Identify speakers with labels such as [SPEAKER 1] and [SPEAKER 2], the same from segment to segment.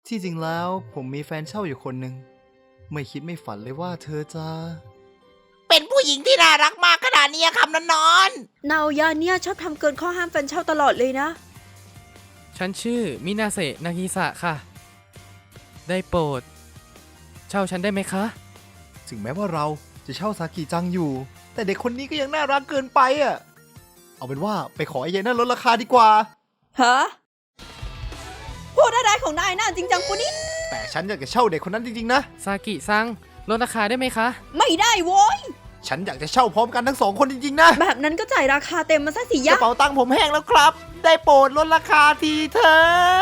[SPEAKER 1] ที่จริงแล้วผมมีแฟนเช่าอยู่คนหนึ่งไม่คิดไม่ฝันเลยว่าเธอจะ
[SPEAKER 2] เป็นผู้หญิงที่น่ารักมากขนาดนี้คำนอน
[SPEAKER 3] นาโอยะเนี่ยชอบทำเกินข้อห้ามแฟนเช่าตลอดเลยนะ
[SPEAKER 4] ฉันชื่อมินาเซะนากิสะค่ะ ได้โปรด เช่าฉันได้ไหมคะ
[SPEAKER 1] ถึงแม้ว่าเราจะเช่าซากิจังอยู่ แต่เด็กคนนี้ก็ยังน่ารักเกินไปอ่ะเอาเป็นว่าไปขอไอ้ยายนั่นลดราคาดีกว่า
[SPEAKER 3] ฮะ พูดอะไรของนายน่าจริงจังปุนี่
[SPEAKER 1] แต่ฉันอยากจะเช่าเด็กคนนั้นจริงๆนะ
[SPEAKER 4] ซากิซังลดราคาได้ไหมคะ
[SPEAKER 3] ไม่ได้โว้ย
[SPEAKER 1] ฉันอยากจะเช่าพร้อมกันทั้งสองคนจริงๆนะ
[SPEAKER 3] แบบนั้นก็จ่ายราคาเต็มมาซะสิ
[SPEAKER 1] ก
[SPEAKER 3] ยะ
[SPEAKER 1] ระเป๋าตังค์ผมแห้งแล้วครับ ได้โปรดลดราคาทีเถอะ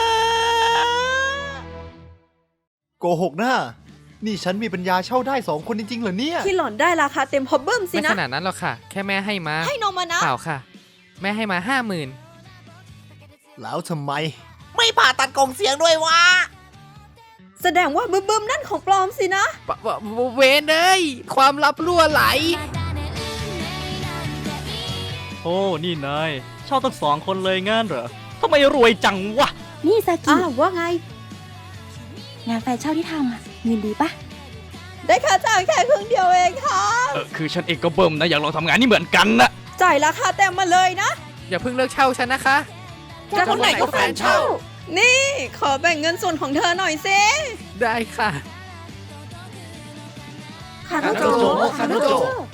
[SPEAKER 1] โกหกนะนี่ฉันมีปัญญาเช่าได้สองคนจริงๆเหรอเนี่ย
[SPEAKER 3] ที่หล่อนได้ราคาเต็มฮอบเบิ้มสิ
[SPEAKER 4] ไม่
[SPEAKER 3] นะ
[SPEAKER 4] ขนาดนั้นหรอกค่ะ แค่แม่ให้มา
[SPEAKER 3] ให้นมมานะ
[SPEAKER 4] เปล่าค่ะ แม่ให้มา
[SPEAKER 1] แล้วทำไม
[SPEAKER 2] ๆ ไม่ผ่าตัดกล่องเสียงด้วยวะ
[SPEAKER 3] แสดงว่าบึ้มๆนั่นของปลอมสินะ
[SPEAKER 4] เวนเอ้ยความลับรั่วไหล
[SPEAKER 5] โอ้ นี่นายเช่าตั้ง2 คนเลยงั้นเหรอทำไมรวยจังวะ
[SPEAKER 6] นี่ซากิ
[SPEAKER 3] อ้าวว่าไง
[SPEAKER 6] งานแฟนเช่าที่ทำอะเงินดีปะ
[SPEAKER 3] ได้ค่าจ้างแค่ครึ่งเดียวเองค่ะ
[SPEAKER 5] คือฉันเองก็เบิ่มนะ อยากลองทำงานนี่เหมือนกันนะ
[SPEAKER 3] จ่ายราคาเต็มมาเลยนะ
[SPEAKER 4] อย่าเพิ่งเลิกเช่าฉันนะคะ
[SPEAKER 3] จะคนไหนก็แฟนเช่า นี่ขอแบ่งเงินส่วนของเธอหน่อยสิ
[SPEAKER 4] ได้ค่ะ
[SPEAKER 6] คาโนโจ
[SPEAKER 1] คาโนโจ